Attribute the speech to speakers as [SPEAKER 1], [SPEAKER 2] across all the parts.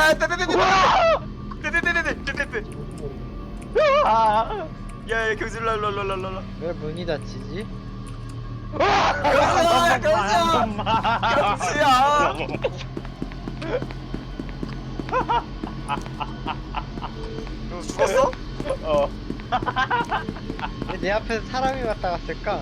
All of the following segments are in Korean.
[SPEAKER 1] 빼빼빼빼빼빼빼빼빼빼빼빼.
[SPEAKER 2] 아,
[SPEAKER 1] 야, 경수 랄랄랄랄랄라.
[SPEAKER 3] 왜 문이 닫히지?
[SPEAKER 1] 경수야, 경수야. 경수 죽었어?
[SPEAKER 2] 어.
[SPEAKER 3] 왜 내 앞에서 사람이 왔다 갔을까?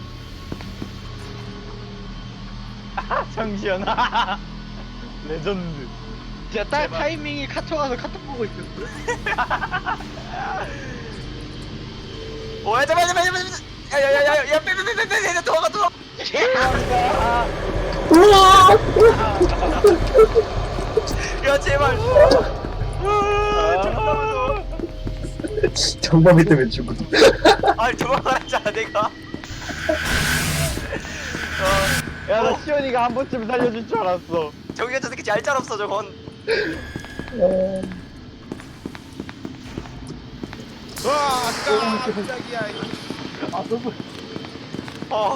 [SPEAKER 2] 정시현. 레전드.
[SPEAKER 3] 진짜 딱 타이밍이 카톡 와서 카톡 보고 있었어.
[SPEAKER 1] 야, 잠깐만. 야, 빼빼빼빼빼. 도망가. 야, 제발.
[SPEAKER 4] 정범이 때문에 죽어.
[SPEAKER 1] 아니, 도망가라잖아, 내가.
[SPEAKER 2] 야, 나 시현이가 한 번쯤 살려줄 줄 알았어.
[SPEAKER 1] 저기 저 새끼 얄짤없어, 저건.
[SPEAKER 5] 와, 깜짝이야.
[SPEAKER 1] 어.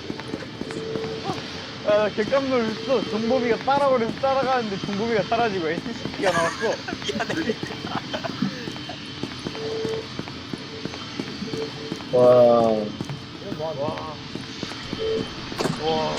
[SPEAKER 2] 야, 나 객감 놀랐어. 정범이가 따라오려서 따라가는데 정범이가 사라지고 SCP가 나왔어.
[SPEAKER 1] 미안해.
[SPEAKER 4] 와.
[SPEAKER 1] 와.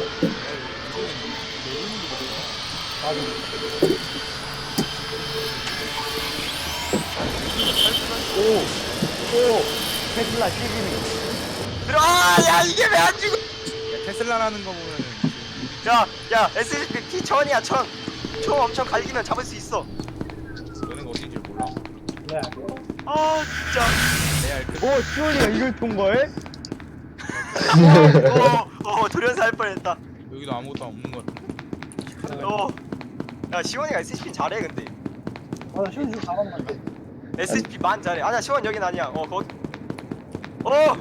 [SPEAKER 2] 테슬라 시기니.
[SPEAKER 1] 야, 이게 왜 안 죽어?
[SPEAKER 5] 야, 테슬라라는 거 보면은
[SPEAKER 1] 야, SCP 피 1000이야, 1000. 총 엄청 갈기면 잡을 수 있어.
[SPEAKER 5] 너는 어딘지 몰라.
[SPEAKER 1] 아, 진짜.
[SPEAKER 5] 레알 그
[SPEAKER 2] 오, 시원이가 이걸 통과해?
[SPEAKER 1] 돌연사 할 뻔했다.
[SPEAKER 5] 여기도 아무것도 없는 거 같은데.
[SPEAKER 1] 야, 시원이가 SCP 잘해, 근데.
[SPEAKER 6] 나 시원 좀 잘하는 것 같아.
[SPEAKER 1] SCP 만 잘해. 아니야, 시원 여긴 아니야. 거기. 야,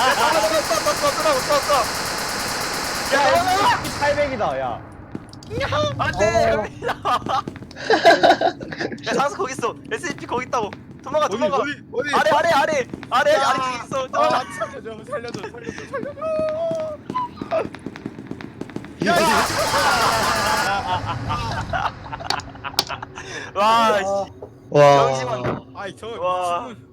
[SPEAKER 1] 떴어.
[SPEAKER 2] 야, SCP 800이다, 야.
[SPEAKER 1] 안돼, 여기 나와. 야, 장수 거기 있어. SCP 거기 있다고. 도망가.
[SPEAKER 5] 어디?
[SPEAKER 1] 아래 저기 있어. 도망가.
[SPEAKER 5] 아, 살려줘.
[SPEAKER 1] 와, 씨.
[SPEAKER 4] 와.
[SPEAKER 1] 정신만.
[SPEAKER 5] 아이 저
[SPEAKER 1] 와.
[SPEAKER 5] 미친놈.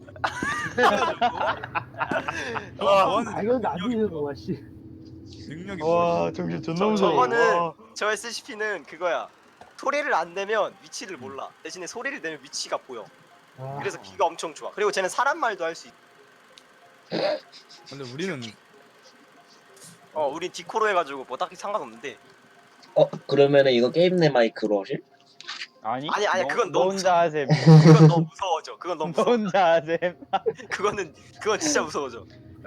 [SPEAKER 1] 와.
[SPEAKER 6] 아, 이건 나비는 거야, 씨.
[SPEAKER 5] 능력이
[SPEAKER 2] 와, 정신 존나 무서워.
[SPEAKER 1] 저거는
[SPEAKER 2] 와.
[SPEAKER 1] 저 SCP는 그거야. 소리를 안 내면 위치를 몰라. 대신에 소리를 내면 위치가 보여.
[SPEAKER 6] 아,
[SPEAKER 1] 그래서 귀가 엄청 좋아. 그리고 쟤는 사람 말도 할 수 있.
[SPEAKER 5] 근데 우리는
[SPEAKER 1] 우린 디코로 해가지고 뭐 딱히 상관없는데.
[SPEAKER 4] 그러면은 이거 게임 내 마이크로 하실?
[SPEAKER 2] 아니,
[SPEAKER 1] 아니, 그건
[SPEAKER 2] 너
[SPEAKER 1] 너무
[SPEAKER 2] 혼자 하셈.
[SPEAKER 1] 그건 너무 무서워져. 그건 너무
[SPEAKER 2] 너
[SPEAKER 1] 무서워.
[SPEAKER 2] 혼자 하셈.
[SPEAKER 1] 그건 진짜 무서워져.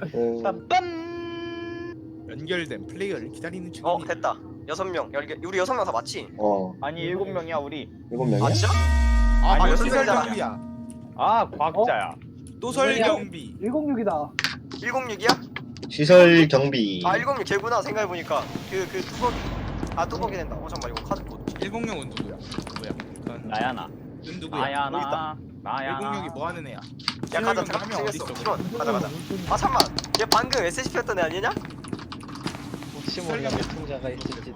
[SPEAKER 2] 빰빰.
[SPEAKER 5] 연결된 플레이어를 기다리는 중입니다.
[SPEAKER 1] 됐다. 6명. 우리 6명 다 맞지?
[SPEAKER 2] 아니, 7명이야, 우리.
[SPEAKER 4] 7명이야?
[SPEAKER 1] 아, 진짜?
[SPEAKER 5] 아,
[SPEAKER 1] 아니,
[SPEAKER 5] 시설
[SPEAKER 1] 연결되잖아.
[SPEAKER 5] 경비야.
[SPEAKER 2] 아, 과학자야.
[SPEAKER 5] 또설 경비.
[SPEAKER 6] 106이다.
[SPEAKER 1] 106이야?
[SPEAKER 4] 시설 경비.
[SPEAKER 1] 106 걔구나. 생각해보니까. 그 뚜벅이. 뚜벅이 된다. 잠깐만, 이거 카드 뭐.
[SPEAKER 5] 106은 누구야? 그건
[SPEAKER 2] 나야, 나.
[SPEAKER 5] 넌 누구야?
[SPEAKER 2] 나야,
[SPEAKER 1] 여기 있다.
[SPEAKER 2] 나야, 나.
[SPEAKER 5] 106이 뭐 하는 애야?
[SPEAKER 1] 야, 가자.
[SPEAKER 5] 시설 경비 하면
[SPEAKER 1] 생겼어.
[SPEAKER 5] 어딨어?
[SPEAKER 1] 시원. 가자. 잠깐만. 얘 방금 SCP였던 애 아니냐?
[SPEAKER 3] 혹시 몰라 매통자가 있을지.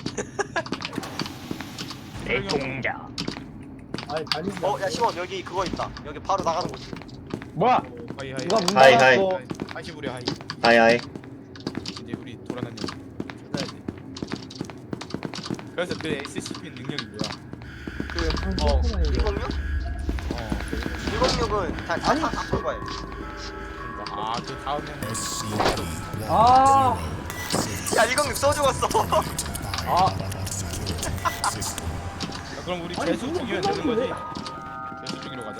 [SPEAKER 2] 애통자.
[SPEAKER 6] 아니, 아니.
[SPEAKER 1] 야, 시원. 여기 그거 있다. 여기 바로 나가는 곳.
[SPEAKER 2] 뭐야?
[SPEAKER 5] 하이.
[SPEAKER 2] 누가 문
[SPEAKER 4] 하이,
[SPEAKER 2] 닫았어?
[SPEAKER 5] 하이시부리 하이.
[SPEAKER 4] 하이.
[SPEAKER 5] 이제 우리 돌아다니는 찾아야 돼. 그래서 그 SCP 능력이 뭐야?
[SPEAKER 1] 106?
[SPEAKER 5] 그
[SPEAKER 1] 106은 다 거야.
[SPEAKER 5] 그 다음에는
[SPEAKER 6] 아,
[SPEAKER 1] 야, 106 써 죽었어.
[SPEAKER 5] 그럼 우리 재수 죽이면 되는 거지? 재수 죽이러 가자.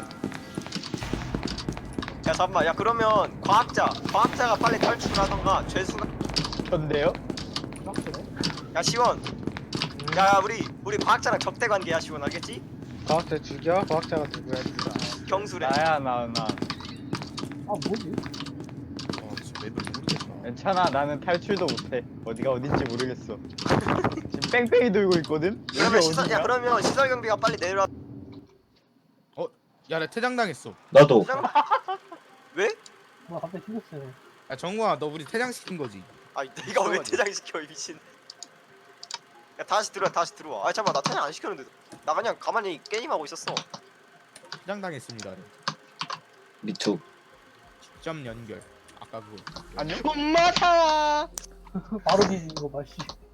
[SPEAKER 1] 야, 잠깐만. 야, 그러면 과학자가 빨리 탈출을 하던가 죄수가.
[SPEAKER 2] 전데요?
[SPEAKER 1] 야, 시원. 야, 우리 과학자랑 적대 관계야, 시원. 알겠지?
[SPEAKER 3] 과학자 죽여? 과학자가 누구야?
[SPEAKER 1] 경수래.
[SPEAKER 2] 나야, 나.
[SPEAKER 6] 아, 뭐지?
[SPEAKER 5] 진짜 맵을 모르겠어.
[SPEAKER 2] 괜찮아, 나는 탈출도 못해. 어디가 어딘지 모르겠어. 지금 뺑뺑이 돌고 있거든? 여기 어디야?
[SPEAKER 1] 그러면 시설 경비가 빨리 내려와.
[SPEAKER 5] 야, 나 퇴장당했어.
[SPEAKER 4] 나도.
[SPEAKER 1] 왜?
[SPEAKER 6] 나 갑자기 죽었어.
[SPEAKER 5] 야, 정우아, 너 우리 퇴장시킨 거지?
[SPEAKER 1] 네가 왜 퇴장시켜, 이 미친. 야 다시 들어와. 아 잠깐만 나 탄약 안 시켰는데. 나 그냥 가만히 게임하고 있었어.
[SPEAKER 5] 시장당했습니다.
[SPEAKER 4] 미투.
[SPEAKER 5] 직접 연결. 아까 그거.
[SPEAKER 2] 안녕?
[SPEAKER 3] 엄마 사.
[SPEAKER 6] 바로 뒤지는 거 봐, 씨.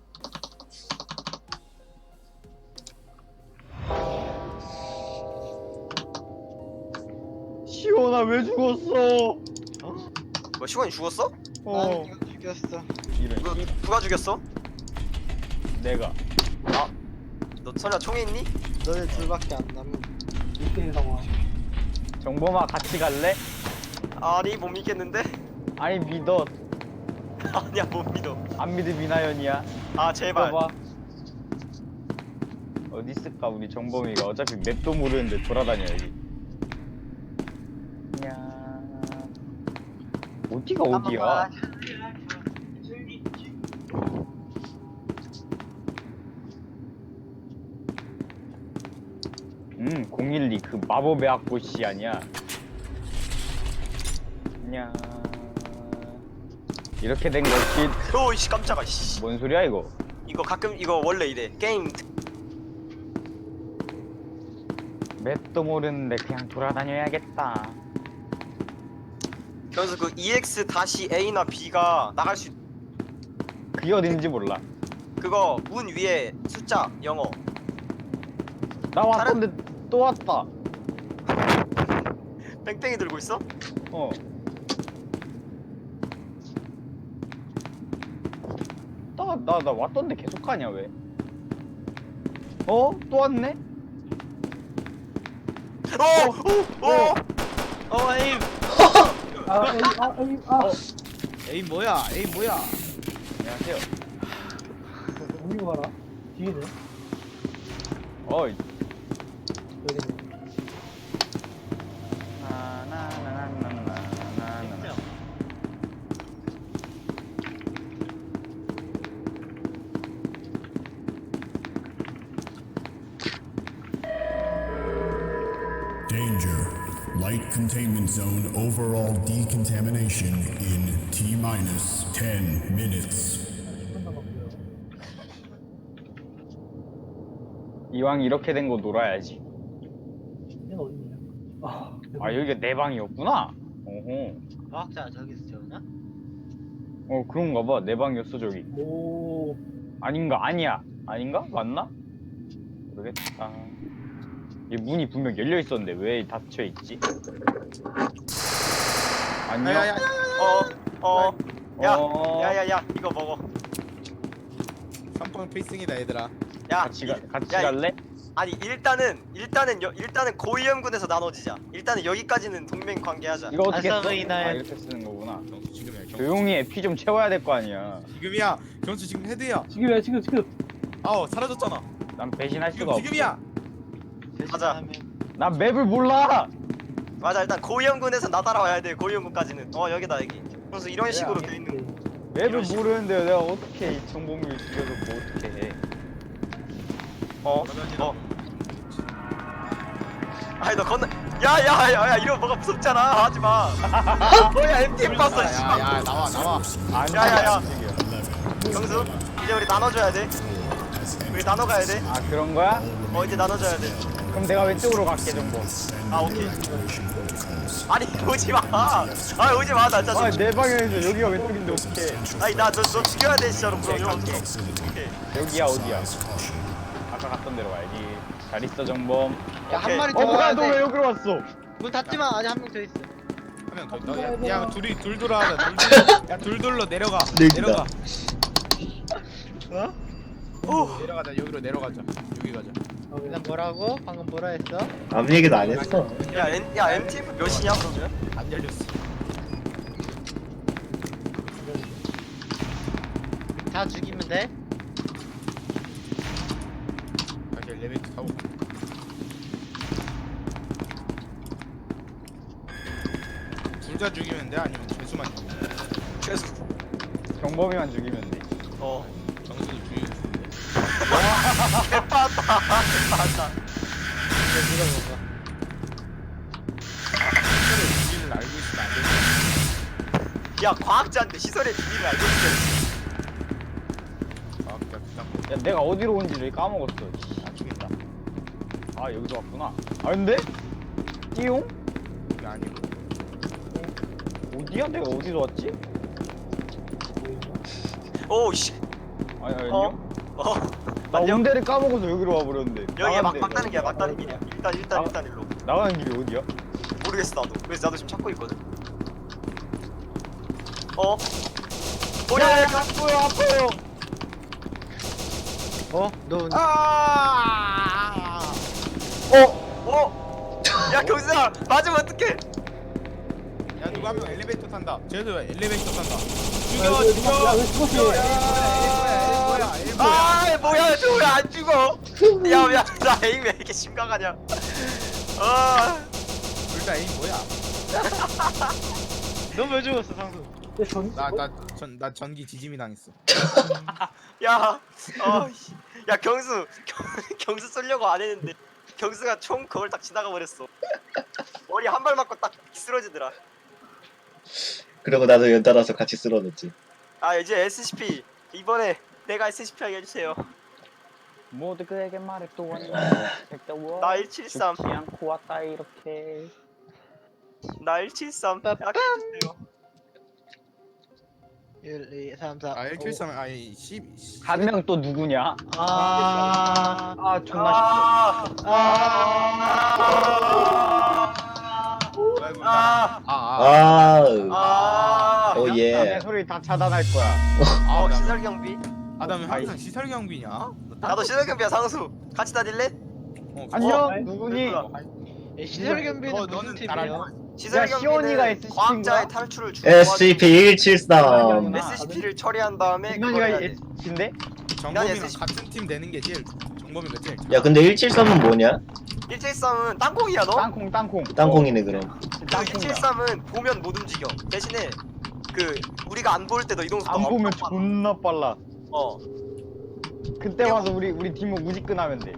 [SPEAKER 2] 시원아 왜 죽었어?
[SPEAKER 1] 뭐 시원이 죽었어?
[SPEAKER 2] 어.
[SPEAKER 3] 난 이거 죽였어.
[SPEAKER 2] 이런 씨.
[SPEAKER 1] 누가 죽였어?
[SPEAKER 2] 내가.
[SPEAKER 1] 너 설마 총에 있니?
[SPEAKER 3] 너네 둘밖에 안 남은.
[SPEAKER 6] 1대1 상황.
[SPEAKER 2] 정범아 같이 갈래?
[SPEAKER 1] 아니 못 믿겠는데?
[SPEAKER 2] 아니 믿어.
[SPEAKER 1] 아니야 못 믿어.
[SPEAKER 2] 안 믿음 미나연이야.
[SPEAKER 1] 아 제발.
[SPEAKER 2] 봐봐. 어디 있을까 우리 정범이가 어차피 맵도 모르는데 돌아다녀야지. 야. 어디가 어디야? 음, 012 그 마법의 악보씨 아니야? 야. 이렇게 된 것이
[SPEAKER 1] 오이씨 깜짝아 씨.
[SPEAKER 2] 뭔 소리야 이거?
[SPEAKER 1] 이거 가끔 이거 원래 이래. 게임
[SPEAKER 2] 맵도 모르는데 그냥 돌아다녀야겠다.
[SPEAKER 1] 그래서 그 EX-A나 B가 나갈 수
[SPEAKER 2] 그게 어딘지 몰라.
[SPEAKER 1] 그거 문 위에 숫자 영어.
[SPEAKER 2] 나 왔던데 또 왔다.
[SPEAKER 1] 뺑뺑이 들고 있어?
[SPEAKER 2] 어. 나 왔던데 계속 가냐 왜? 어? 또 왔네?
[SPEAKER 1] 오!
[SPEAKER 3] 에임.
[SPEAKER 5] 에임 뭐야? 에임 뭐야?
[SPEAKER 2] 안녕하세요.
[SPEAKER 6] 어디로 가라? 뒤에네.
[SPEAKER 2] 어이.
[SPEAKER 6] 여기네.
[SPEAKER 2] 나나나나나나나.
[SPEAKER 7] Danger. Light containment zone overall decontamination in T-minus 10 minutes.
[SPEAKER 6] 10분 남았고요.
[SPEAKER 2] 이왕 이렇게 된 거 놀아야지.
[SPEAKER 6] 얘는 어딨냐?
[SPEAKER 2] 아 여기가 내 방이었구나. 어허.
[SPEAKER 3] 과학자 저기서 재우나?
[SPEAKER 2] 어 그런가 봐. 내 방이었어 저기.
[SPEAKER 6] 오.
[SPEAKER 2] 아닌가? 아니야. 아닌가? 맞나? 모르겠다. 이 문이 분명 열려 있었는데 왜 닫혀 있지? 안녕.
[SPEAKER 5] 야야야.
[SPEAKER 1] 야야야 이거 먹어.
[SPEAKER 5] 3번 필승이다 얘들아.
[SPEAKER 1] 야
[SPEAKER 2] 같이
[SPEAKER 1] 야,
[SPEAKER 2] 갈래?
[SPEAKER 1] 아니 일단은 고위험군에서 나눠지자. 일단은 여기까지는 동맹 관계하자.
[SPEAKER 2] 이거 어떻게 써?
[SPEAKER 3] 아싸브이나의-
[SPEAKER 2] 아 이렇게 쓰는 거구나.
[SPEAKER 5] 경수 지금이야. 경수.
[SPEAKER 2] 조용히 해. 피 좀 채워야 될 거 아니야.
[SPEAKER 5] 지금이야. 경수 지금 헤드야.
[SPEAKER 6] 지금이야, 지금.
[SPEAKER 5] 아우 사라졌잖아.
[SPEAKER 2] 난 배신할 수가 없어.
[SPEAKER 5] 지금이야.
[SPEAKER 1] 가자.
[SPEAKER 2] 난 맵을 몰라.
[SPEAKER 1] 맞아 일단 고위험군에서 나따라와야 돼. 고위험군까지는. 여기다 여기. 그래서 이런 식으로 돼 있는.
[SPEAKER 2] 맵을
[SPEAKER 1] 이런 식으로.
[SPEAKER 2] 모르는데 내가 어떻게 이 정보를 죽여서 뭐 어떻게 해?
[SPEAKER 1] 아니 너 건너. 야야야야 이거 뭐가 무섭잖아. 하지 마. 뭐야 MTF 봤어. 씨발.
[SPEAKER 5] 야야 나와.
[SPEAKER 2] 아니,
[SPEAKER 1] 야야야.
[SPEAKER 2] 깜짝이야.
[SPEAKER 1] 경수 이제 우리 나눠줘야 돼. 우리 나눠 가야 돼.
[SPEAKER 2] 아 그런 거야?
[SPEAKER 1] 이제 나눠줘야 돼.
[SPEAKER 2] 그럼 내가 왼쪽으로 갈게 정보.
[SPEAKER 1] 아 오케이. 아니 오지 마. 아 오지 마. 나 진짜.
[SPEAKER 2] 아내 방향에서 여기가 왼쪽인데 어떻게?
[SPEAKER 1] 아니 나 너 죽여야 돼 진짜로. 그럼 오케이.
[SPEAKER 2] 여기야 어디야? 아까 갔던 데로 가야지. 잘 있어 정범.
[SPEAKER 3] 야, 한 마리 더
[SPEAKER 2] 뭐야
[SPEAKER 3] 와야
[SPEAKER 2] 너 왜
[SPEAKER 3] 돼.
[SPEAKER 2] 여기로 왔어?
[SPEAKER 3] 문 닫지 마. 아직 한 명 더 있어.
[SPEAKER 5] 한 명 더 있다. 야 둘 돌아가자. 야둘 돌로 내려가. 내려가. 내려가자. 여기로 내려가자. 여기 가자.
[SPEAKER 3] 난 뭐라고? 방금 뭐라 했어?
[SPEAKER 4] 아무 얘기도 안 했어.
[SPEAKER 1] 야 MTF 몇이냐 그러면?
[SPEAKER 5] 안 열렸어.
[SPEAKER 3] 다 죽이면 돼?
[SPEAKER 5] 다시 엘리베이터 타고. 둘 다 죽이면 돼? 아니면 죄수만 죽이면 돼?
[SPEAKER 1] 최소.
[SPEAKER 2] 정범이만 죽이면 돼.
[SPEAKER 5] 정수도 죽이면 돼.
[SPEAKER 1] 개빠다.
[SPEAKER 3] 이거 물어봐봐.
[SPEAKER 5] 시설의 비밀을 알고 있으면 안 되지.
[SPEAKER 1] 야 과학자인데 시설의 비밀을 알고 있어.
[SPEAKER 5] 과학자 부담.
[SPEAKER 2] 야 내가 어디로 온지를 까먹었어. 씨, 안 되겠다. 아 여기서 왔구나. 아 근데? 띠용?
[SPEAKER 5] 이게 아니고.
[SPEAKER 2] 어디야? 내가 어디서 왔지?
[SPEAKER 1] 오씨.
[SPEAKER 2] 아니 아니요.
[SPEAKER 1] 어.
[SPEAKER 2] 나
[SPEAKER 1] 안녕?
[SPEAKER 2] 온데를 까먹어서 여기로 와버렸는데.
[SPEAKER 1] 여기가
[SPEAKER 2] 나가는
[SPEAKER 1] 막다는 길이야.
[SPEAKER 2] 데가
[SPEAKER 1] 막다는
[SPEAKER 2] 어디야?
[SPEAKER 1] 길이야. 일단 일로.
[SPEAKER 2] 나가는 길이 어디야?
[SPEAKER 1] 모르겠어 나도. 그래서 나도 지금 찾고 있거든. 뭐야?
[SPEAKER 2] 아파요 아파요.
[SPEAKER 3] 너
[SPEAKER 5] 아.
[SPEAKER 1] 야 경수야 맞으면 어떡해?
[SPEAKER 5] 야 누가 한 명 엘리베이터 탄다. 쟤도 엘리베이터 탄다.
[SPEAKER 6] 야,
[SPEAKER 5] 죽여
[SPEAKER 6] 야,
[SPEAKER 5] 죽여.
[SPEAKER 6] 왜 죽었어?
[SPEAKER 1] 아 뭐야 저 왜 안 죽어? 야나 에임 왜 이렇게 심각하냐? 아.
[SPEAKER 5] 둘다 에임 뭐야?
[SPEAKER 3] 너 왜 죽었어 상수?
[SPEAKER 6] 내 전.
[SPEAKER 5] 나 전기 지짐이 당했어.
[SPEAKER 1] 야, 씨. 야 경수, 경수 쏘려고 안 했는데 경수가 총 그걸 딱 지나가 버렸어. 머리 한 발 맞고 딱 쓰러지더라.
[SPEAKER 4] 그리고 나도 연달아서 같이 쓰러졌지.
[SPEAKER 1] 아 이제 SCP 이번에 내가 SCP 하게 해주세요.
[SPEAKER 2] 모두 그에게 말해 또 왔네.
[SPEAKER 1] 나 173,
[SPEAKER 2] 죽지 않고 왔다 이렇게.
[SPEAKER 1] 나 173 하게 해주세요.
[SPEAKER 3] 1, 2, 3, 4.
[SPEAKER 5] 아 173 아니 10.
[SPEAKER 2] 한 명 또 누구냐?
[SPEAKER 3] 아,
[SPEAKER 2] 존나
[SPEAKER 5] 아.
[SPEAKER 4] 오
[SPEAKER 2] 내
[SPEAKER 4] 예.
[SPEAKER 2] 소리 다 차단할 거야.
[SPEAKER 1] 시설 경비.
[SPEAKER 5] 아담 항상 시설 경비냐?
[SPEAKER 1] 나도 시설 경비야 상수. 같이 다닐래?
[SPEAKER 2] 안녕 누구니?
[SPEAKER 3] 시설 경비는
[SPEAKER 5] 너는
[SPEAKER 3] 무슨
[SPEAKER 5] 나랑
[SPEAKER 3] 팀이야?
[SPEAKER 1] 시설
[SPEAKER 2] 야, 시원이가
[SPEAKER 1] 경비는
[SPEAKER 2] SCP 인가?
[SPEAKER 1] 과학자의 탈출을 주.
[SPEAKER 4] SCP-173.
[SPEAKER 1] SCP를 처리한 다음에 그걸
[SPEAKER 2] 이만이가
[SPEAKER 1] 해야 돼.
[SPEAKER 2] S인데?
[SPEAKER 5] 정범이랑
[SPEAKER 1] SCP.
[SPEAKER 5] 같은 팀 되는 게 제일 정범이가 제일.
[SPEAKER 4] 야 근데 173은 뭐냐?
[SPEAKER 1] 173은 땅콩이야 너?
[SPEAKER 2] 땅콩.
[SPEAKER 4] 땅콩이네 그럼.
[SPEAKER 2] 땅콩이야.
[SPEAKER 1] 173은 보면 못 움직여. 대신에 그 우리가 안 보일 때도 이동 속도
[SPEAKER 2] 안 보면
[SPEAKER 1] 엄청 빨라.
[SPEAKER 2] 존나 빨라. 그때 와서 우리 팀은 무직근하면 돼.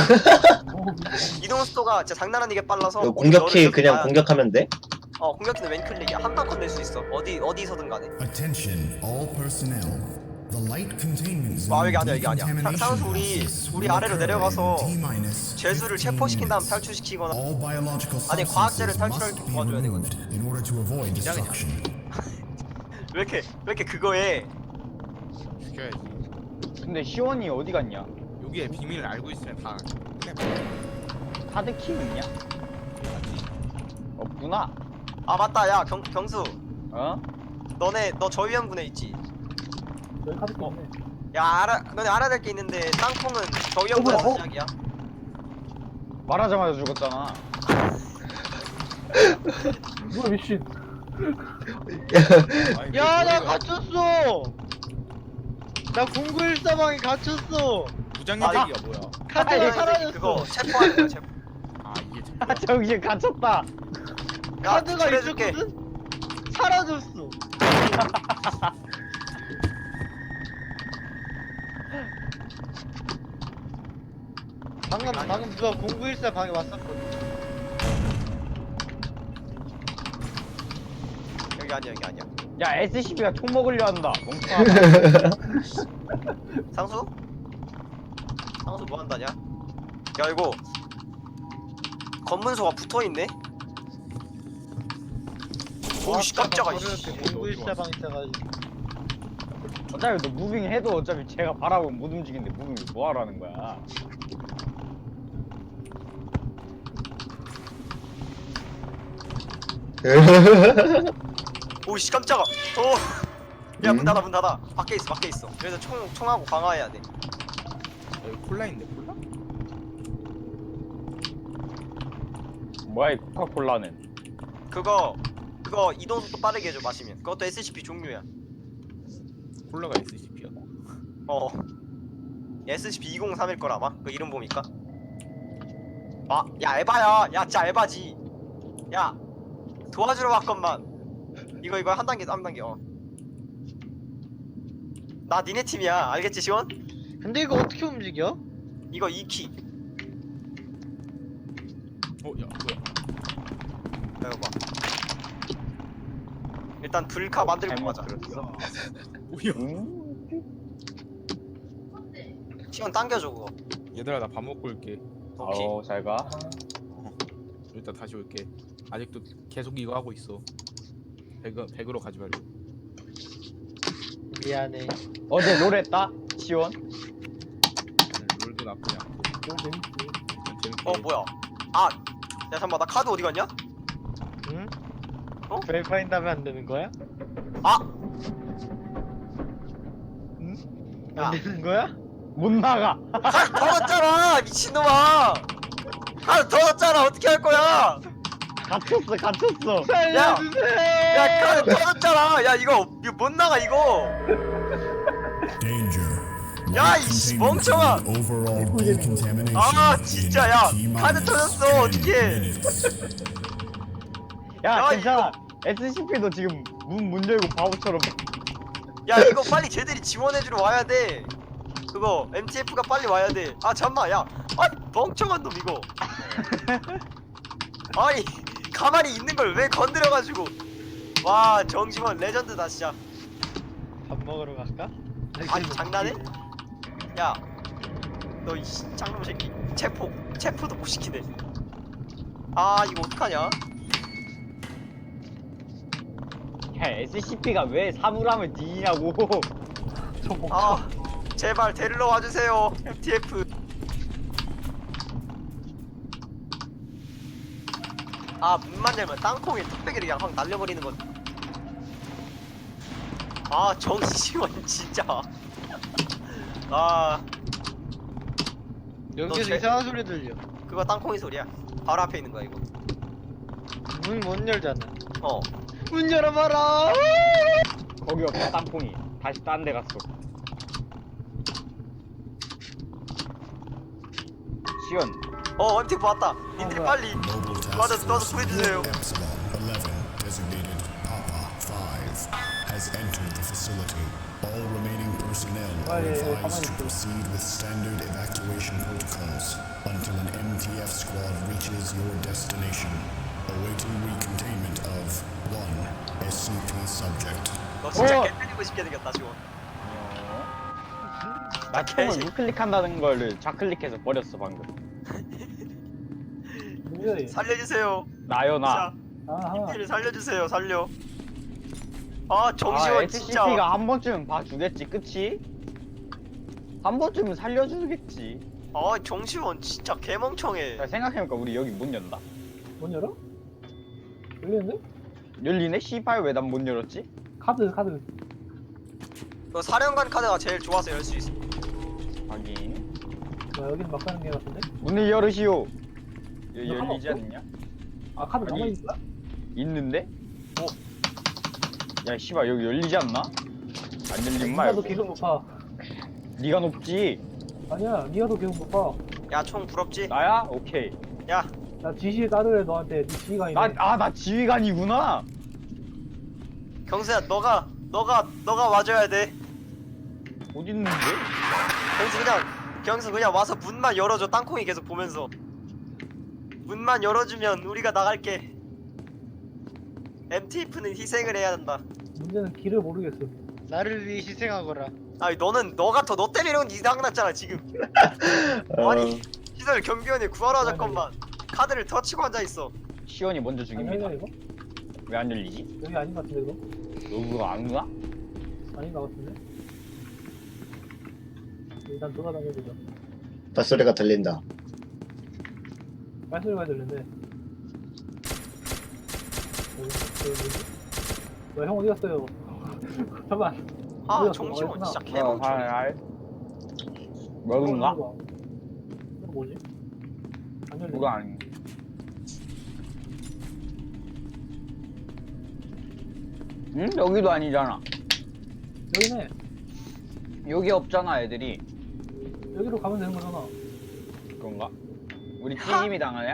[SPEAKER 1] 이동 속도가 진짜 장난 아니게 빨라서
[SPEAKER 4] 이거 공격키
[SPEAKER 1] 너를
[SPEAKER 4] 그냥
[SPEAKER 1] 봐야-
[SPEAKER 4] 공격하면 돼?
[SPEAKER 1] 공격키는 왼클릭이야. 한 방컷 낼 수 있어. 어디서든 간에.
[SPEAKER 7] Attention, all personnel. The light containment
[SPEAKER 1] 아,
[SPEAKER 7] zone
[SPEAKER 1] 여기 아니야, 여기 아니야.
[SPEAKER 7] decontamination
[SPEAKER 1] 상수
[SPEAKER 7] process
[SPEAKER 1] 우리
[SPEAKER 7] will
[SPEAKER 1] 아래로
[SPEAKER 7] occur
[SPEAKER 1] 내려가서
[SPEAKER 7] in T-minus
[SPEAKER 1] 죄수를
[SPEAKER 7] 15
[SPEAKER 1] 체포시킨 다음
[SPEAKER 7] minutes.
[SPEAKER 1] 탈출시키거나
[SPEAKER 7] All biological
[SPEAKER 1] 아니, 과학자를
[SPEAKER 7] substances
[SPEAKER 1] 탈출할
[SPEAKER 7] must
[SPEAKER 1] 때
[SPEAKER 7] be
[SPEAKER 1] 도와줘야
[SPEAKER 7] removed in order to avoid destruction.
[SPEAKER 1] 왜 이렇게 그거에
[SPEAKER 5] 죽여야지.
[SPEAKER 2] 근데 시원이 어디 갔냐?
[SPEAKER 5] 여기에 비밀을 알고 있으면 다 그냥
[SPEAKER 2] 카드키 있냐? 없구나.
[SPEAKER 1] 아 맞다 야 경수
[SPEAKER 2] 어?
[SPEAKER 1] 너 저위험군에 있지?
[SPEAKER 6] 저희 카드 있네.
[SPEAKER 1] 야 너네 알아야 될 게 있는데 땅콩은 저위험군에서
[SPEAKER 6] 뭐야,
[SPEAKER 1] 시작이야.
[SPEAKER 2] 말하자마자 죽었잖아.
[SPEAKER 6] 뭐야 미친.
[SPEAKER 3] 야, 나 갇혔어. 나 0914방에 갇혔어.
[SPEAKER 5] 무장
[SPEAKER 1] 아,
[SPEAKER 5] 얘기가 뭐야?
[SPEAKER 3] 카드가 사라졌어.
[SPEAKER 1] 그거 체포하는 거야 체포.
[SPEAKER 5] 아 이게 참.
[SPEAKER 2] 아 정신 갇혔다.
[SPEAKER 1] 야
[SPEAKER 3] 카드가
[SPEAKER 1] 추천해줄게.
[SPEAKER 3] 있었거든? 사라졌어. 방금 누가 0914 방에 왔었거든.
[SPEAKER 1] 여기 아니야.
[SPEAKER 2] 야 SCP가 총 먹으려 한다. 멍청하다.
[SPEAKER 1] 상수 뭐 한다냐? 야 이거 검문소가 붙어 있네. 오씨 깜짝아. 씨.
[SPEAKER 3] 0914 방 있어가지고.
[SPEAKER 2] 어차피 너 무빙해도 어차피 제가 바라보면 못 움직이는데 무빙을 뭐하라는 거야.
[SPEAKER 1] 오씨 깜짝아. 야 문 닫아. 밖에 있어. 그래서 총하고 방어해야 돼.
[SPEAKER 5] 여기 콜라인데 콜라?
[SPEAKER 2] 뭐야 이 코카콜라는.
[SPEAKER 1] 그거 이동 속도 빠르게 해줘 마시면. 그것도 SCP 종류야.
[SPEAKER 5] 콜라가 SCP야.
[SPEAKER 1] SCP-203일 거라 아마. 그 이름 보니까. 야 에바야. 야 진짜 에바지. 야 도와주러 왔건만. 이거 한 단계. 나 니네 팀이야. 알겠지 시원?
[SPEAKER 3] 근데 이거 어떻게 움직여?
[SPEAKER 1] 이거 2키.
[SPEAKER 5] 야 뭐야?
[SPEAKER 1] 이거 봐. 일단 불카 만들고
[SPEAKER 2] 잘못
[SPEAKER 1] 가자.
[SPEAKER 2] 들었어.
[SPEAKER 5] 뭐야?
[SPEAKER 1] 시원 당겨줘 그거.
[SPEAKER 5] 얘들아 나 밥 먹고 올게.
[SPEAKER 1] 오케이.
[SPEAKER 2] 잘 가.
[SPEAKER 5] 일단 다시 올게. 아직도 계속 이거 하고 있어. 백으로 가지 말고.
[SPEAKER 3] 미안해.
[SPEAKER 2] 어제 롤 했다? 시원?
[SPEAKER 5] 롤도 나쁘지 않고.
[SPEAKER 6] 그건 재밌지.
[SPEAKER 5] 재밌게.
[SPEAKER 1] 뭐야? 아, 야 잠깐만 나 카드 어디 갔냐?
[SPEAKER 3] 응?
[SPEAKER 1] 어?
[SPEAKER 3] 벨파인 다음에 안 되는 거야?
[SPEAKER 1] 아,
[SPEAKER 3] 응?
[SPEAKER 1] 야.
[SPEAKER 3] 안 되는 거야?
[SPEAKER 2] 못 나가.
[SPEAKER 1] 카드 터졌잖아 미친놈아. 카드 터졌잖아 어떻게 할 거야?
[SPEAKER 2] 갇혔어.
[SPEAKER 3] 살려주세요.
[SPEAKER 1] 야 카드 터졌잖아. 야 이거 못 나가 이거.
[SPEAKER 7] Danger.
[SPEAKER 1] 야,
[SPEAKER 7] Light
[SPEAKER 1] 이씨,
[SPEAKER 7] containment
[SPEAKER 1] 멍청아.
[SPEAKER 7] zone overall decontamination
[SPEAKER 1] 아,
[SPEAKER 7] in
[SPEAKER 1] 진짜, 야,
[SPEAKER 7] T
[SPEAKER 1] 카드
[SPEAKER 7] minus
[SPEAKER 1] 터졌어,
[SPEAKER 7] 10
[SPEAKER 1] 어떡해.
[SPEAKER 7] minutes.
[SPEAKER 2] 야,
[SPEAKER 1] 야,
[SPEAKER 2] 괜찮아. SCP도 지금 문 열고 바보처럼.
[SPEAKER 1] 야 이거 빨리 쟤들이 지원해주러 와야 돼. 그거 MTF가 빨리 와야 돼. 아 잠만 야. 아 멍청한 놈 이거. 아니 가만히 있는 걸 왜 건드려가지고. 와 정심원 레전드다 진짜.
[SPEAKER 3] 밥 먹으러 갈까?
[SPEAKER 1] 아니 장난해? 야 너 이 짱놈 새끼 체포도 못 시키네. 아 이거 어떡하냐?
[SPEAKER 2] 야, SCP가 왜 사물함을 뒤냐고.
[SPEAKER 1] 아 제발 데리러 와주세요 MTF. 아 문만 열면 땅콩이 뚝배기를 그냥 확 날려버리는 건. 아 정시원 진짜. 아
[SPEAKER 3] 여기서
[SPEAKER 1] 제-
[SPEAKER 3] 이상한 소리 들려.
[SPEAKER 1] 그거 땅콩이 소리야. 바로 앞에 있는 거야 이거.
[SPEAKER 3] 문 못 열잖아.
[SPEAKER 1] 어.
[SPEAKER 3] 문 열어봐라.
[SPEAKER 2] 거기 없다, 땅콩이. 다시 딴 데 갔어. 시원.
[SPEAKER 1] MTF 왔다. 니들이 빨리
[SPEAKER 7] Mobile task
[SPEAKER 1] 맞아,
[SPEAKER 7] force
[SPEAKER 1] 너도 보여주세요.
[SPEAKER 7] Epsilon 11, designated Papa 5, has entered the facility. All remaining personnel are
[SPEAKER 6] Vale,
[SPEAKER 7] advised to
[SPEAKER 6] 가만히 있어.
[SPEAKER 7] proceed with standard evacuation protocols until an MTF squad reaches your destination. Awaiting recontainment of 1 SCP subject.
[SPEAKER 1] 너 진짜
[SPEAKER 2] 어.
[SPEAKER 1] 개 때리고 싶게 생겼다 지원.
[SPEAKER 2] 나
[SPEAKER 1] 개새-
[SPEAKER 2] 총을 우클릭한다는 거를 좌클릭해서 버렸어, 방금.
[SPEAKER 6] 뭐야 얘?
[SPEAKER 1] 살려주세요.
[SPEAKER 2] 나연아.
[SPEAKER 6] 아하.
[SPEAKER 1] 님들 살려주세요. 살려. 아 정시원 진짜.
[SPEAKER 2] SCP가 한 번쯤은 봐주겠지, 그치? 한 번쯤은 살려주겠지.
[SPEAKER 1] 아 정시원 진짜 개멍청해.
[SPEAKER 2] 야, 생각해보니까 우리 여기 문 연다.
[SPEAKER 6] 문 열어? 열리는데?
[SPEAKER 2] 열리네? 씨발 왜 난 못 열었지?
[SPEAKER 6] 카드.
[SPEAKER 1] 너 사령관 카드가 제일 좋아서 열 수 있어.
[SPEAKER 2] 확인.
[SPEAKER 6] 와 여기는 막 가는 게 같은데?
[SPEAKER 2] 문을 열으시오.
[SPEAKER 6] 이거 하나
[SPEAKER 2] 열리지
[SPEAKER 6] 없어?
[SPEAKER 2] 않냐?
[SPEAKER 6] 아 카드
[SPEAKER 2] 아니.
[SPEAKER 6] 남아있는 거야?
[SPEAKER 2] 있는데?
[SPEAKER 1] 오.
[SPEAKER 2] 야 씨발 여기 열리지 않나? 안 열린
[SPEAKER 6] 니가
[SPEAKER 2] 말고
[SPEAKER 6] 더 계속 못 봐.
[SPEAKER 2] 니가 높지?
[SPEAKER 6] 아니야 니가 더 계속 못 봐.
[SPEAKER 1] 야 총 부럽지?
[SPEAKER 2] 나야? 오케이.
[SPEAKER 1] 야
[SPEAKER 6] 나 지시 따르래 너한테 니 지휘관이네.
[SPEAKER 2] 나 지휘관이구나.
[SPEAKER 1] 경수야 너가 와줘야 돼.
[SPEAKER 2] 어딨는데?
[SPEAKER 1] 경수 그냥 와서 문만 열어줘. 땅콩이 계속 보면서. 문만 열어주면 우리가 나갈게. MTF는 희생을 해야 한다.
[SPEAKER 6] 문제는 길을 모르겠어.
[SPEAKER 3] 나를 위해 희생하거라.
[SPEAKER 1] 아니 너가 더 너 때문에 이런 거 이상났잖아 지금. 아니 시설 경비원이 구하러 잠깐만. 카드를 터치고 앉아있어.
[SPEAKER 2] 시원이 먼저 죽입니다.
[SPEAKER 6] 아니야 이거?
[SPEAKER 2] 왜 안 열리지?
[SPEAKER 6] 여기 아닌 것 같은데 이거?
[SPEAKER 2] 너 그거 안 누나?
[SPEAKER 6] 아닌 것 같은데? 일단 돌아다녀보자.
[SPEAKER 4] 발소리가 들린다.
[SPEAKER 6] 말소리가 들리는데. 형 어디 갔어요? 잠깐.
[SPEAKER 1] 아
[SPEAKER 6] 뭐야,
[SPEAKER 1] 정시원
[SPEAKER 6] 뭐야,
[SPEAKER 1] 진짜
[SPEAKER 2] 어,
[SPEAKER 1] 개멍청해.
[SPEAKER 2] 뭐인가?
[SPEAKER 6] 이거 뭐지? 안 열리네.
[SPEAKER 2] 뭐가 아니. 응? 여기도 아니잖아.
[SPEAKER 6] 여기네.
[SPEAKER 2] 여기 없잖아 애들이.
[SPEAKER 6] 여기로 가면 되는 거잖아.
[SPEAKER 2] 그런가? 우리 튀김이 당하냐?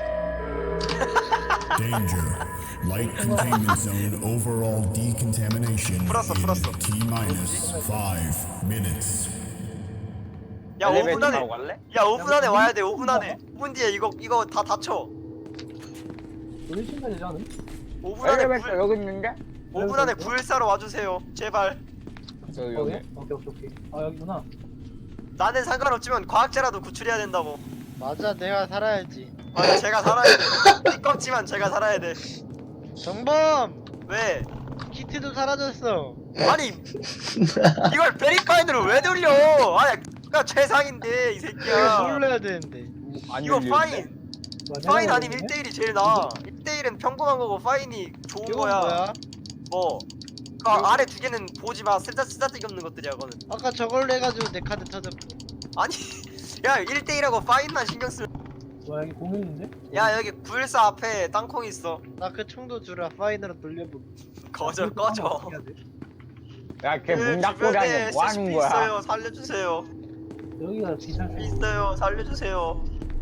[SPEAKER 7] Danger. Light containment zone overall decontamination
[SPEAKER 1] 풀었어.
[SPEAKER 7] in T minus 5 minutes.
[SPEAKER 1] 야 5분
[SPEAKER 2] 엘리베이터
[SPEAKER 1] 안에
[SPEAKER 2] 타고 갈래?
[SPEAKER 1] 야 5분 안에 와야 돼. 5분 안에. 5분 뒤에 이거 다 닫혀.
[SPEAKER 6] 여기 신가 되지 않음?
[SPEAKER 1] 5분 안에
[SPEAKER 2] 엘리베이터 여기 있는데?
[SPEAKER 1] 5분 안에 구일사로 와주세요. 제발.
[SPEAKER 2] 여기
[SPEAKER 6] 거기? 오케이. 아 여기구나.
[SPEAKER 1] 나는 상관없지만 과학자라도 구출해야 된다고.
[SPEAKER 3] 맞아, 내가 살아야지.
[SPEAKER 1] 맞아, 제가 살아야 돼. 띠껍지만 제가 살아야 돼.
[SPEAKER 3] 정범!
[SPEAKER 1] 왜?
[SPEAKER 3] 키트도 사라졌어.
[SPEAKER 1] 아니 이걸 베리파인으로 왜 돌려? 아니 가 최상인데 이
[SPEAKER 3] 이거
[SPEAKER 1] 새끼야.
[SPEAKER 3] 놀려야 되는데.
[SPEAKER 2] 안
[SPEAKER 1] 이거
[SPEAKER 2] 열리는데?
[SPEAKER 1] 파인. 파인 아니면 1대1이 제일 나아. 1대1은 평범한 거고 파인이 좋은
[SPEAKER 3] 이건
[SPEAKER 1] 거야.
[SPEAKER 3] 뭐야?
[SPEAKER 1] 뭐. 그 아래 두 개는 보지 마. 쓰다쓰기 없는 것들이야, 그거는.
[SPEAKER 3] 아까 저걸로 해가지고 내 카드 터졌고.
[SPEAKER 1] 아니, 야 1대1하고 파인만 신경 쓰.
[SPEAKER 6] 와 여기 공 있는데?
[SPEAKER 1] 야 여기 914 앞에 땅콩 있어.
[SPEAKER 3] 나 그 총도 주라. 파이너로 돌려보.
[SPEAKER 1] 거절 꺼져.
[SPEAKER 2] 야, 걔 문 닫고 다니 뭐 하는 거야?
[SPEAKER 1] 있어요. 살려주세요.
[SPEAKER 6] 여기가 비쌀 수 있어.
[SPEAKER 1] 있어요. 살려주세요.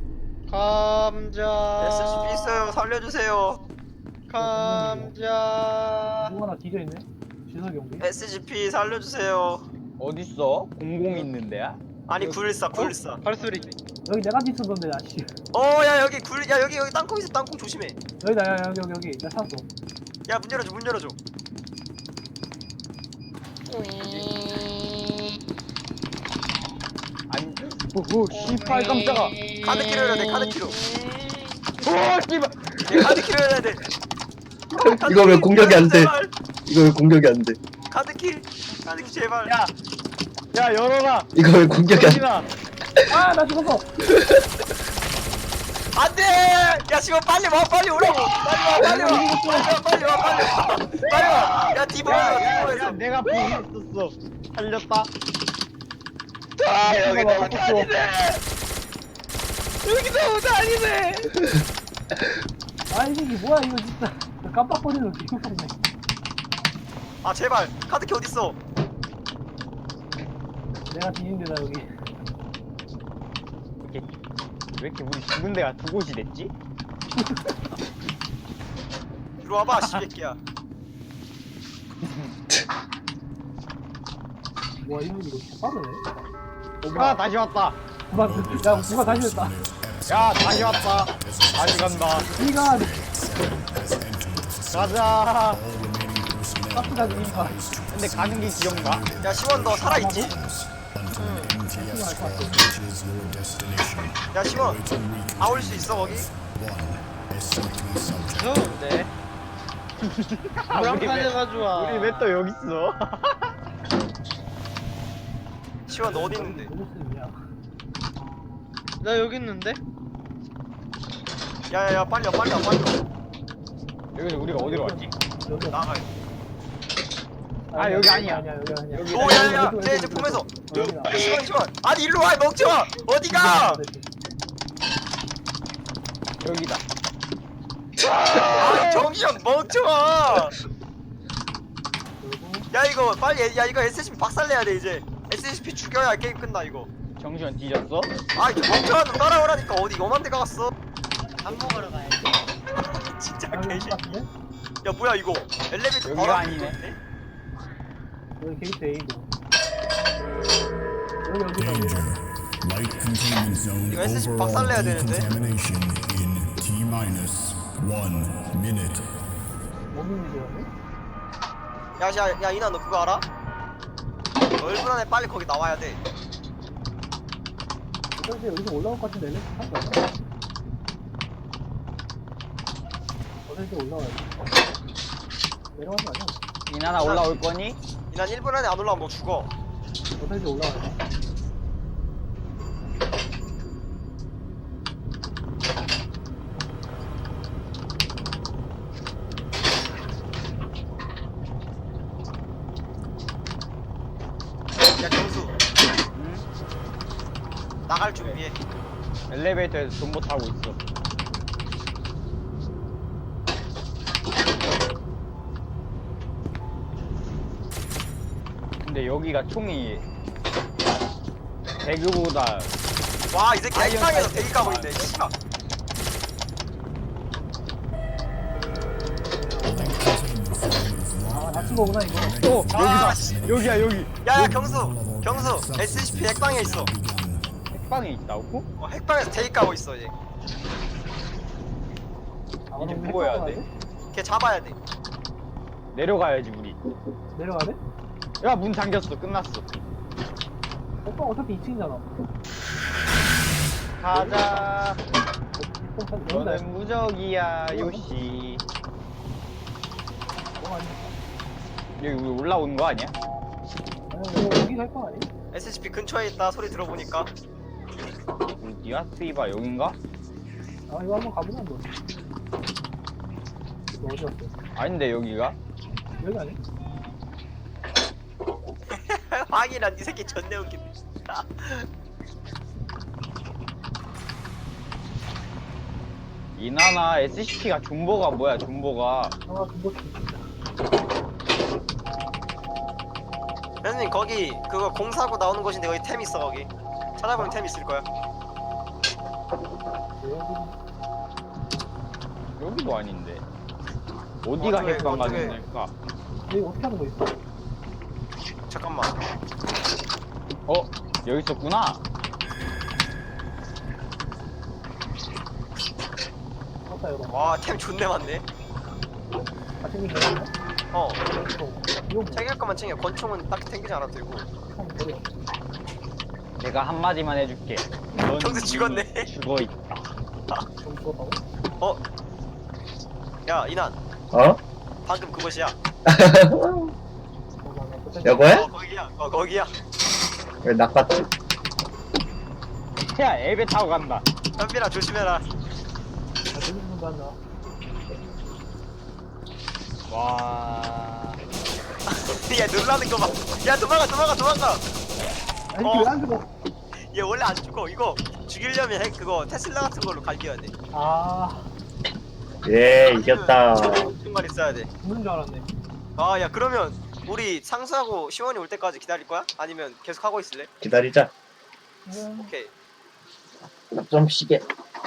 [SPEAKER 3] 감자.
[SPEAKER 1] SCP 있어요. 살려주세요.
[SPEAKER 3] 감자.
[SPEAKER 6] 누구 하나 뒤져 있네. 지석이 온 게.
[SPEAKER 1] SCP 살려주세요.
[SPEAKER 2] 어딨어? 00 있는데야?
[SPEAKER 1] 아니 914.
[SPEAKER 3] 발소리.
[SPEAKER 6] 여기 내가 뒤쳤던데 나 씨.
[SPEAKER 1] 야 여기 야 여기 땅콩 있어. 땅콩 조심해.
[SPEAKER 6] 여기다 야 여기 나 찾았어.
[SPEAKER 1] 야 문 열어줘. 문 열어줘.
[SPEAKER 2] 아니, 오, 씨발 깜짝아.
[SPEAKER 1] 카드키로 열어야 돼. 카드키로.
[SPEAKER 2] 오, 씨발.
[SPEAKER 1] 카드키로 열어야 돼.
[SPEAKER 4] 이거 왜 공격이 안 돼?
[SPEAKER 1] 제발.
[SPEAKER 4] 이거 왜 공격이 안 돼?
[SPEAKER 1] 카드키 제발.
[SPEAKER 2] 야, 야, 열어라.
[SPEAKER 4] 이거 왜 공격이 안 돼?
[SPEAKER 2] 정신아.
[SPEAKER 6] 아나 죽었어.
[SPEAKER 1] 안돼! 야 지금 빨리 와 빨리 오라고! 빨리 와! 야 디버에서
[SPEAKER 2] 야, 내가 보냈었어. 살렸다.
[SPEAKER 6] 여기다 아 이게 뭐야 이거 진짜. 깜빡거리는 거 기억하네.
[SPEAKER 1] 아 제발 카드키 어딨어?
[SPEAKER 6] 내가 뒤진데 나 여기.
[SPEAKER 2] 왜 이렇게 우리 죽은 데가 두 곳이 됐지?
[SPEAKER 1] 들어와봐 씨새끼야.
[SPEAKER 6] 와 이거 빠르네.
[SPEAKER 2] 아, 다시 왔다.
[SPEAKER 6] 누가 야 누가 다시 했다.
[SPEAKER 2] 야, 다시 왔다. 다시 간다.
[SPEAKER 6] 이가
[SPEAKER 2] 가자.
[SPEAKER 6] 가스가 이가.
[SPEAKER 2] 근데 가는 게 지역가?
[SPEAKER 1] 야 시원 너 살아있지? 야 시원 나올 수 있어 거기?
[SPEAKER 3] 무서운데. 불안카드가 좋아.
[SPEAKER 2] 우리 왜 또 여기 있어?
[SPEAKER 1] 시원 너 어디 있는데?
[SPEAKER 6] 누구 쓰냐?
[SPEAKER 3] 나 여기 있는데?
[SPEAKER 1] 야야야 빨리 와.
[SPEAKER 2] 여기서 우리가 어디로 왔지?
[SPEAKER 6] 여기.
[SPEAKER 1] 나가.
[SPEAKER 2] 아, 여기 아니야.
[SPEAKER 6] 아니야 여기 아니야.
[SPEAKER 2] 여기.
[SPEAKER 1] 오야야 쟤 보면서. 야 시원 아니 일로 와 먹지마. 어디가?
[SPEAKER 2] 여기다.
[SPEAKER 1] 아 정신 멍청아. 야 이거 빨리 야 이거 SCP 박살내야 돼 이제. SCP 죽여야 게임 끝나 이거.
[SPEAKER 2] 정시현 뒤졌어?
[SPEAKER 1] 아 이거 멍청한 놈 따라오라니까 어디 요만 데 가갔어.
[SPEAKER 3] 밥 먹으러 가야지.
[SPEAKER 1] 진짜
[SPEAKER 6] 여기
[SPEAKER 1] 개새끼.
[SPEAKER 6] 같은데?
[SPEAKER 1] 야 뭐야 이거 엘리베이터
[SPEAKER 2] 여기가
[SPEAKER 1] 바로
[SPEAKER 2] 아니네.
[SPEAKER 1] 앞에
[SPEAKER 6] 여기 게이트 A고. 여기
[SPEAKER 7] Danger. Light containment zone
[SPEAKER 1] 이거 SCP
[SPEAKER 7] overall
[SPEAKER 1] 박살내야 되는데?
[SPEAKER 7] decontamination in T-1 minute.
[SPEAKER 6] 먹는 일이라네?
[SPEAKER 1] 야 이나 너 그거 알아? 너 1분 안에 빨리 거기 나와야 돼.
[SPEAKER 6] 어차피 여기서 올라올 것 같은데 엘리베이터 탈 거야? 어차피 올라와야 돼. 내려가는 거 아니야?
[SPEAKER 2] 이나나 올라올 거니?
[SPEAKER 1] 이난 1분 안에 안 올라오면 너 죽어.
[SPEAKER 6] 어차피 올라와야 돼.
[SPEAKER 1] 야 경수 나갈 준비해.
[SPEAKER 2] 엘리베이터에서 존버 타고 있어. 근데 여기가 총이 배그보다
[SPEAKER 1] 와 이 새끼
[SPEAKER 2] 아이언
[SPEAKER 1] 핵방에서
[SPEAKER 2] 사이트.
[SPEAKER 1] 대기 까고 있네. 씨발.
[SPEAKER 6] 아 낮춘 거구나 이거.
[SPEAKER 2] 어, 여기다. 여기야, 여기.
[SPEAKER 1] 야야 경수 SCP 핵방에 있어.
[SPEAKER 2] 핵방에 있다고?
[SPEAKER 1] 핵방에서 대기 까고 있어 이제.
[SPEAKER 6] 아,
[SPEAKER 2] 이제
[SPEAKER 6] 그럼
[SPEAKER 2] 뭐 해야
[SPEAKER 6] 핵방
[SPEAKER 2] 돼?
[SPEAKER 6] 가야
[SPEAKER 1] 걔 잡아야 돼.
[SPEAKER 2] 내려가야지 우리.
[SPEAKER 6] 내려가야 돼?
[SPEAKER 2] 야, 문 잠겼어. 끝났어.
[SPEAKER 6] 오빠 어차피 2층이잖아.
[SPEAKER 2] 가자.
[SPEAKER 6] 여기다.
[SPEAKER 2] 너는 무적이야, 요시.
[SPEAKER 6] 뭐 아니야?
[SPEAKER 2] 여기 우리 올라오는 거 아니야?
[SPEAKER 6] 아니, 여기 갈 거 아니?
[SPEAKER 1] SCP 근처에 있다 소리 들어보니까.
[SPEAKER 2] 어디야? 스이바 여긴가?
[SPEAKER 6] 아, 이거 한번 가보자, 너. 너 어디 갔어?
[SPEAKER 2] 아닌데 여기가?
[SPEAKER 6] 여기 아니?
[SPEAKER 1] 황이란 이 새끼 존내 웃긴데.
[SPEAKER 2] 이나나 SCP가 존버가 뭐야 존버가.
[SPEAKER 6] 아, 그거 진짜.
[SPEAKER 1] 선생님 거기 그거 공사하고 나오는 곳인데 거기 템 있어 거기. 찾아보면 템 있을 거야.
[SPEAKER 2] 여기도 아닌데. 어디가
[SPEAKER 1] 어떻게,
[SPEAKER 2] 핵방
[SPEAKER 1] 어떻게.
[SPEAKER 2] 가는 걸까?
[SPEAKER 6] 여기 어떻게 하는 거 있어?
[SPEAKER 1] 잠깐만.
[SPEAKER 2] 어? 여기 있었구나?
[SPEAKER 6] 맞다, 이거.
[SPEAKER 1] 와 템 존내 많네.
[SPEAKER 6] 다 챙긴 거야?
[SPEAKER 1] 어.
[SPEAKER 6] 이거 뭐?
[SPEAKER 1] 챙길 거만 챙겨. 권총은 딱히 챙기지 않아도 되고.
[SPEAKER 6] 참 버려.
[SPEAKER 2] 내가 한마디만 해줄게. 넌
[SPEAKER 1] 형도 죽었네.
[SPEAKER 2] 이미 죽어있다.
[SPEAKER 6] 좀 죽었다고?
[SPEAKER 1] 어? 야 이난
[SPEAKER 4] 어?
[SPEAKER 1] 방금 그곳이야.
[SPEAKER 4] 여거야?
[SPEAKER 1] 거기야. 거기야.
[SPEAKER 4] 왜 낚았지?
[SPEAKER 2] 야 앱에 타고 간다.
[SPEAKER 1] 현빈아 조심해라.
[SPEAKER 6] 아, 재밌는 거 하나.
[SPEAKER 2] 와.
[SPEAKER 1] 야 놀라는 거 봐. 야 도망가.
[SPEAKER 6] 아니,
[SPEAKER 1] 어.
[SPEAKER 6] 왜안 죽어?
[SPEAKER 1] 얘 원래 안 죽어. 이거 죽이려면 그거 테슬라 같은 걸로 갈겨야 돼.
[SPEAKER 6] 아,
[SPEAKER 4] 예, 이겼다.
[SPEAKER 1] 정말 있어야 돼.
[SPEAKER 6] 죽는 줄 알았네.
[SPEAKER 1] 아 야 그러면 우리 상수하고 시원이 올 때까지 기다릴 거야? 아니면 계속 하고 있을래?
[SPEAKER 4] 기다리자.
[SPEAKER 1] 오케이.
[SPEAKER 4] 좀 쉬게.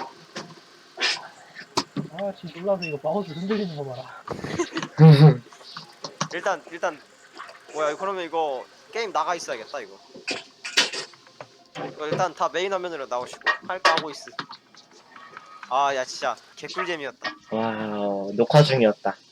[SPEAKER 6] 아, 지금 놀라서 이거 마우스 흔들리는 거 봐라.
[SPEAKER 1] 일단 뭐야 그러면 이거 게임 나가 있어야겠다 이거. 이거 일단 다 메인 화면으로 나오시고 할 거 하고 있어. 아 야 진짜 개꿀잼이었다.
[SPEAKER 4] 와, 녹화 중이었다.